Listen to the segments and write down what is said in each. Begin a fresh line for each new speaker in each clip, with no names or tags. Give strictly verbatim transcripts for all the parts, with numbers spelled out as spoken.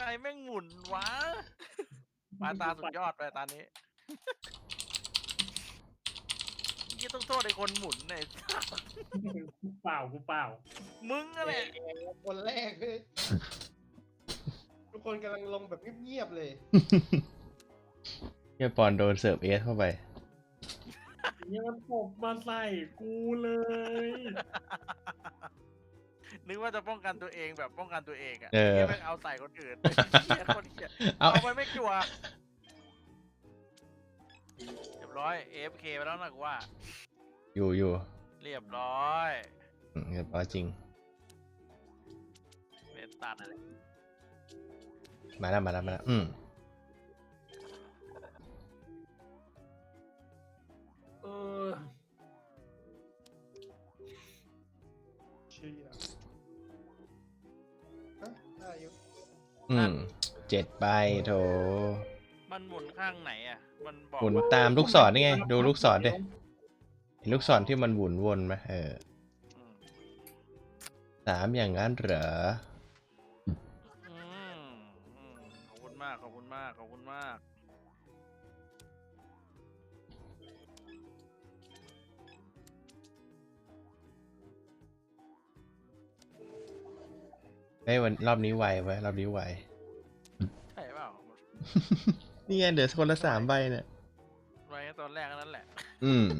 รแม่งหมุนวะปลาตาสุดยอดไปตานี้ยี่ต้องโทษไอ้คนหมุนเนี่ย
กูเปล่ากูเปล่า
มึงอะไร
คนแรกเลยทุกคนกำลังลงแบบเงียบๆเลย
เฮียปอนโดนเสิร์ฟเอสเข้าไป
เนี่ยมันตบมาใส่กูเลย
นึกว่าจะป้องกันตัวเองแบบป้องกันตัวเองอ่ะ
เออ
เหี้ยแม่งเอาใส่คนอื่นเหี้ยคนเหี้ย
เอา
เอาไปไม่จั่วเรียบร้อย เอ เอฟ เค ไปแล้วนะกูว่า
อยู่อยู่
เรียบร้อย
อืมเรียบร้อยจริง
เป็นตัดอะไร
มาแล้วมาแล้วมาแล้วอืม
เออ
เชี่ยฮะได้อยู่
อืมเจ็ดใบโถ
มันหมุนข้างไหนอ่ะ มันบอก
หมุน
ว่า
ตามลูกศรนี่ไง ดูลูกศรดิเห็นลูกศรที่มันหมุนวนไหมเออ
อืม
สามอย่างนั้นเหรอ
อืมอืมขอบคุณมากขอบคุณมากขอบคุณมาก
เฮ้ยวันรอบนี้ไวไว้ยรอบนี้ไว
ใช่เปล่า
นี่ไงเดี๋ยวคนละสามใบเนี่ย
ไว้ตอนแรกนั่นแหละ
อืม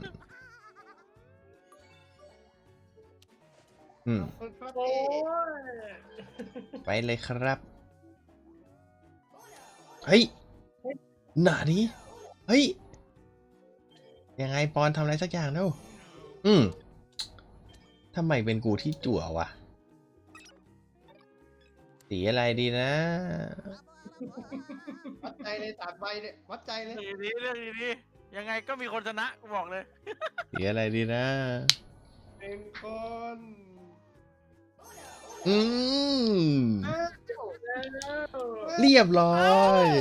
อืม
คนครับ
โอ้
พี่
ย
ไปเลยครับ เฮ้ย หนานี้ เฮ้ย ยังไงปอนทำอะไรสักอย่างแล้ว อืม ทำไมเป็นกูที่จั่ววะ สีอะไรดีนะ
วัดใจเลยสามใบเนี่ยวัดใจเลย
ดีดีเรื่องดีดียังไงก็มีคนชนะกูบอกเลย
สีอะไรดีนะ
เป็นคน
อืม
อ้าว
เรียบร้อย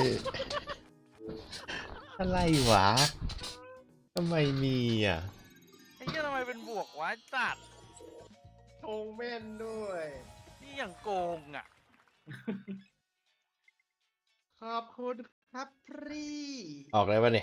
อะไรวะ ทำไมมีอ่ะ
ไอ้เหี้ยทำไมเป็นบวกวะจัด
ชงแม่นด้วย
นี่อย่างโกงอ่ะ
ขอบคุณครับพี่
ออกเลยปะเนี่ย